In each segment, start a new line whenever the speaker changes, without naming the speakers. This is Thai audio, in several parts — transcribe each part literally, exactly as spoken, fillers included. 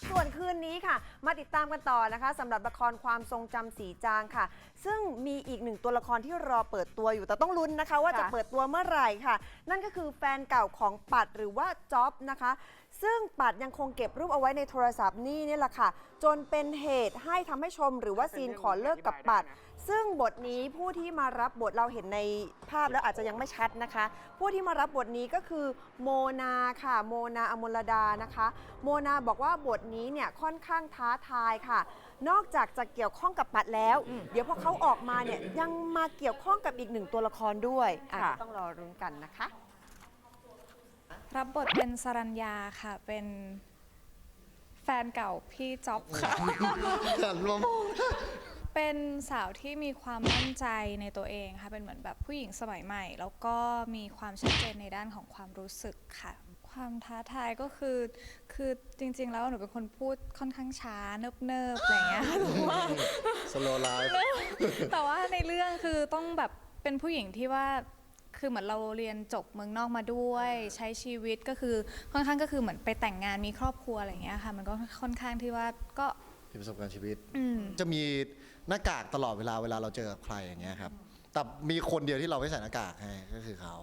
ส่วนคืนนี้ค่ะมาติดตามกันต่อนะคะสำหรับละครความทรงจำสีจางค่ะซึ่งมีอีกหนึ่งตัวละครที่รอเปิดตัวอยู่แต่ต้องลุ้นนะคะว่าจะเปิดตัวเมื่อไหร่ค่ะนั่นก็คือแฟนเก่าของปัดหรือว่าจ๊อบนะคะซึ่งปัดยังคงเก็บรูปเอาไว้ในโทรศัพท์นี่นี่แหละค่ะจนเป็นเหตุให้ทำให้ชมหรือว่าซีนขอเลิกกับปัดซึ่งบทนี้ผู้ที่มารับบทเราเห็นในภาพแล้วอาจจะยังไม่ชัดนะคะผู้ที่มารับบทนี้ก็คือโมนาค่ะโมนาอมลดานะคะโมนาบอกว่าบทนี้เนี่ยค่อนข้างท้าทายค่ะนอกจากจะเกี่ยวข้องกับปัดแล้วเดี๋ยวพอเขาออกมาเนี่ยยังมาเกี่ยวข้องกับอีกหนึ่งตัวละครด้วยต้องรอรุ้นกันนะคะ
รับบทเป็นสรัญญาค่ะเป็นแฟนเก่าพี่จ๊อบค่ะเป็นสาวที่มีความมั่นใจในตัวเองค่ะเป็นเหมือนแบบผู้หญิงสมัยใหม่แล้วก็มีความชัดเจนในด้านของความรู้สึกค่ะความท้าทายก็คือคือจริงๆแล้วหนูเป็นคนพูดค่อนข้างช้าเนิบๆอะไรเงี้ย
สโลว์ไลฟ์
แต่ว่าในเรื่องคือต้องแบบเป็นผู้หญิงที่ว่าคือเหมือนเราเรียนจบเมืองนอกมาด้วยใช้ชีวิตก็คือค่อนข้างก็คือเหมือนไปแต่งงานมีครอบครัวอะไรอย่างเงี้ยค่ะมันก็ค่อนข้างที่ว่าก็
มีประสบการณ์ชีวิตจะมีหน้ากากตลอดเวลาเวลาเราเจอกับใครอย่างเงี้ยครับแต่มีคนเดียวที่เราไม่ใส่หน้ากากให้ก็คือเขา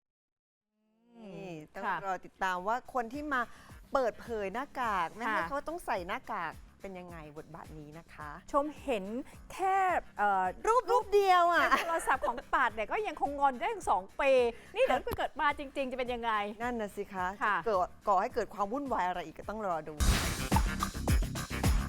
ต้องรอติดตามว่าคนที่มาเปิดเผยหน้ากากไม่ให้เขาต้องใส่หน้ากากเป็นยังไงบทบาทนี้นะคะ
ชมเห็นแค่
รูปรูปเดียวอ่ะ
โทรศัพท์ของปัดเนี่ยก็ยังคงงอนได้ถึงสองปีนี่เดี๋ยวเกิดมาจริงๆจะเป็นยังไง
นั่นน่ะสิคะเกิดก่อให้เกิดความวุ่นวายอะไรอีกก็ต้องรอดู